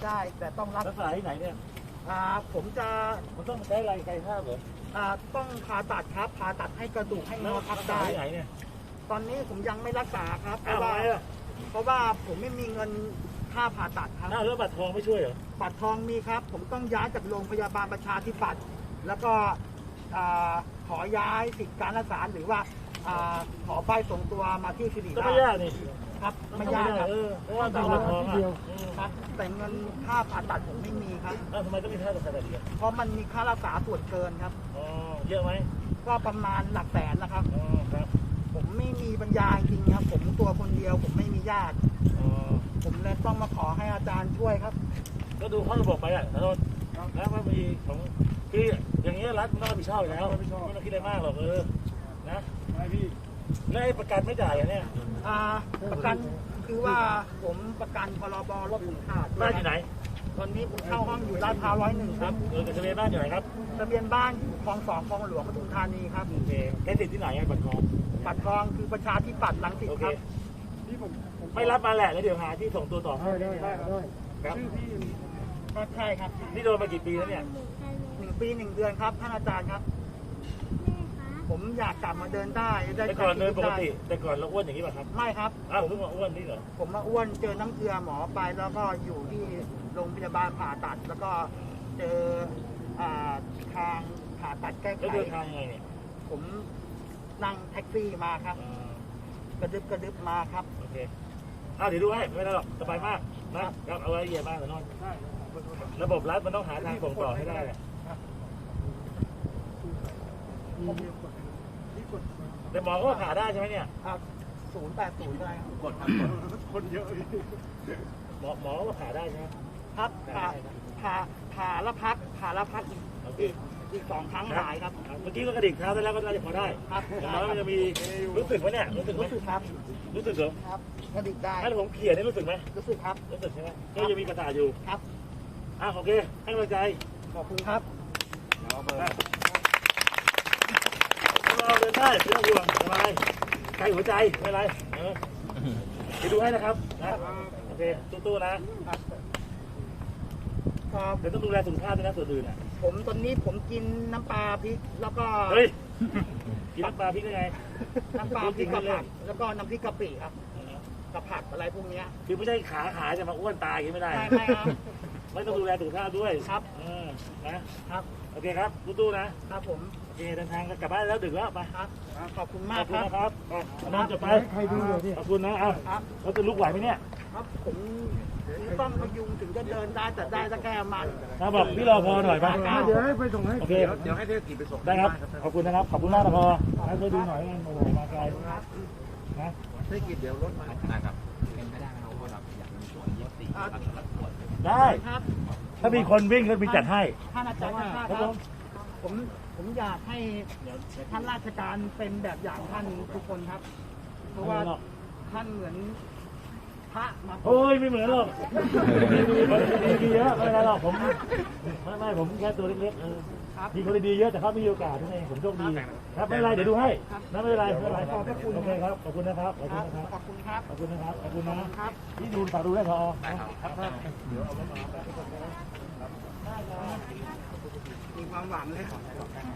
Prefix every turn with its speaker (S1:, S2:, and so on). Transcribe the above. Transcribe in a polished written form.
S1: ได้แต่ต้องรัก
S2: รักษาที่ไหนเนี่ย
S1: ผมจะ
S2: มันต้องใช้อะไรไกลภาพเหรอ
S1: ต้องผ่าตัดครับผ่าตัดให้กระดูกให้ง
S2: แล้ว
S1: อทั
S2: รั
S1: บ
S2: กษา
S1: ได้
S2: ที่ไหนเนี่ย
S1: ตอนนี้ผมยังไม่รักษาครับเพ
S2: อ้าว
S1: ราะ
S2: ทำ
S1: ว่า
S2: ไมอ่ะ
S1: เพราะว่าผมไม่มีเงินค่าผ่าตัดครับ
S2: อ้าวแล้วบัตรทองไม่ช่วยเหรอ
S1: บัตรทองมีครับ ผมต้องย้ายจากโรงพยาบาลประชาธิปัตย์แล้วก็ขอย้ายสิทธิการรักษาหรือว่าขอใบส่งตัวมาที่สิริ
S2: ก็
S1: รา
S2: ไม่
S1: ช
S2: ยากนี่
S1: ครับไม่ยากครับ
S2: เพราะว่าตามบัตรทองอ่ะ
S1: ครับแต่เงินค่าผ่าตัดผมไม่มีครับ
S2: อ้าวทำไมต้องมีค่ารักษาแบบนี้
S1: เพราะมันมีค่ารักษาส่วนเกินครับ
S2: อ๋อเยอะไหม
S1: ก็ประมาณหลักแสนนะครับ
S2: อ๋อครับ
S1: ผมไม่มีปัญญาจริงครับ ผมตัวคนเดียวผมไม่มีญาติ
S2: อ๋อ
S1: ผมเลยต้องมาขอให้อาจารย์ช่วยครับ
S2: ก็ดูข้อระบบไปอ่ะแล้วก็มีของคืออย่างเงี้ยรัฐมันต้องรับผิดชอบอยู่แล้วไม่ต้องคิดอะไรมากหรอกนะไม่พี่แล้วไอ้ประกันไม่จ่ายอ่ะเนี่ย
S1: ประกันคือว่าผมประกันพรบรถถึงขาด
S2: บ้านอยู่ไหน
S1: ตอนนี้ผมเช่าห้องอยู่ลาดพร้าว101ครับ
S2: กับทะเบียนบ้านอยู่ไหนครับ
S1: ทะเบียนบ้านอยู่คลอง2คลองหลวงปทุมธานีครับ
S2: โอเคได้สิทธิ์ที่ไหนไอ้บัตรทอง
S1: บัตรทองคือประชาธิปัตย์รังสิต
S2: โอ
S1: ค
S2: เครับ
S1: ที่ผม
S2: ไม่รับมาแหละแล้วเดี๋ยวหาที่ส่งตัวต่อ
S1: ได้
S2: ครับ
S1: ชื่อพี่ก็ใช่ครับ
S2: นี่โดนมากี่ปีแล้วเนี่ย
S1: 1 ปี 1 เดือนครับท่านอาจารย์ครับ ผมอยากกลับมาเดินได้ได้
S2: แต่ก่อนเดินปกติแต่ก่อนเราอ้วนอย่างนี้ป่ะครับ
S1: ไม่ครับ
S2: อ้าวผมเพิ่งมาอ้วนนี่เหรอ
S1: ผมมาอ้วนเจอน้ำเกลือหมอไปแล้วก็อยู่ที่โรงพยาบาลผ่าตัด แล้วก็เจอทางผ่าตัดแก้ไข
S2: แล้วเดินทางยังไงเนี่ย
S1: ผมนั่งแท็กซี่มาครับ กระดึบมาครับ
S2: โอเคอ้าวเดี๋ยวดูให้ไม่ได้หรอกสบายมากนะครับเอาไว้ละเอียดมากแต่นอนระบบรัฐมันต้องหาทางส่งต่อให้ได้แหละแต่หมอก็ผ่าได้ใช่ไหมเนี่ย
S1: ครับ080ได้ครับ
S2: กดครับคนเยอะหมอก็ผ่าได้ใช่ไหม
S1: ครับผ่าแล้วพักอีก2 ครั้งหายครับ
S2: เมื่อกี้ก็กระดิกเท้าได้แล้วก็น่าจะพอได้
S1: ครับ
S2: อย่างน้อยมันจะมีรู้สึกไหมเนี่ยรู้สึกไหม
S1: รู้สึกครับ
S2: รู้สึกเหรอ
S1: ครับกระดิกได้
S2: ถ้าผมเขี่ยนี่รู้สึกไหม
S1: รู้สึกครับ
S2: รู้สึกใช่ไหมก็ยังมีประสาทอยู่
S1: ครับ
S2: โอเคให้กำลังใจ
S1: ขอบคุณครับ
S2: เราเดินได้ไม่ต้องห่วงสบายใจหัวใจไม่เป็นไรไปดูให้นะครับนะโอเคตู้ๆนะเดี๋ยวต้องดูแลสุขภาพด้วยนะส่วนอื่นอ่ะ
S1: ผมตอนนี้ผมกินน้ำปลาพริกแล้วก็
S2: เฮ้ยกินน้ำปลาพริกได้ไง
S1: น้ำปลาพริกกับผักแล้วก็น้ำพริกกะปิครับกับผักอะไรพวกนี้
S2: คือไม่ใช่ขาจะมาอ้วนตายอย่างนี้ไม่ได้
S1: ไม่ครับ
S2: ไม่ต้องดูแลสุขภาพด้วย
S1: ครับ
S2: นะครับ โอเคครับตู้ๆนะครับ
S1: ผม
S2: โอเคเดินทางกลับบ้านแล้วดึกแล้วไป
S1: ครับขอบคุณ
S2: ข
S1: มา
S2: อก บคุ
S1: ค
S2: ณ
S1: รับ
S2: นะครับนอนจะไปขอบคุณนะเราจะลุกไหวไหมเนี่ย
S1: ครับผมต้องพยุงถึงจะเดินได้แต่ได้แต่แค่มัน
S2: นะบอกพี่รอพอหน่อยไป
S3: เดี๋ยวให้ไปส่งให้
S2: โอเค
S3: เดี๋ยวให้เทศกิจไปส่ง
S2: ได้ครับ ขอบคุณนะครับ ขอบคุณมากนะพอให้ช่วยดูหน่อยกันโอ้โหมาไกลนะ
S3: เทศกิจเดี๋ยวรถมานะครับเป็นไปได้ไหมครับว่าเราอยากมีส่วนลดตี
S2: ได้
S1: ครับ
S2: ถ้ามีคนวิ่งก็มีจัดให้
S1: ท่านอาจารย์ครับผมอยากให้ท่านราชการเป็นแบบอย่างท่านทุกคนครับ เพราะว่าท่านเหมือนพระมา
S2: โอ้ยไม่เหมือนหรอกดีเยอะไม่เป็นไรหรอกผมไม่ผมแค่ตัวเล็กๆมีคนดีเยอะแต่เขาไม่มีโอกาสนั่นเองผมโชคดีครับไม่เป็นไรเดี๋ยวดูให้นะไม่เป็นไรไม่เป็นไรโอเคครับขอบคุณนะครับขอบคุณนะครับ
S1: ขอบคุณครับ
S2: ขอบคุณนะครับขอบคุณนะ
S1: ครับ
S2: ที่ดูฝากดูได้พอ
S1: มีความหวังเลย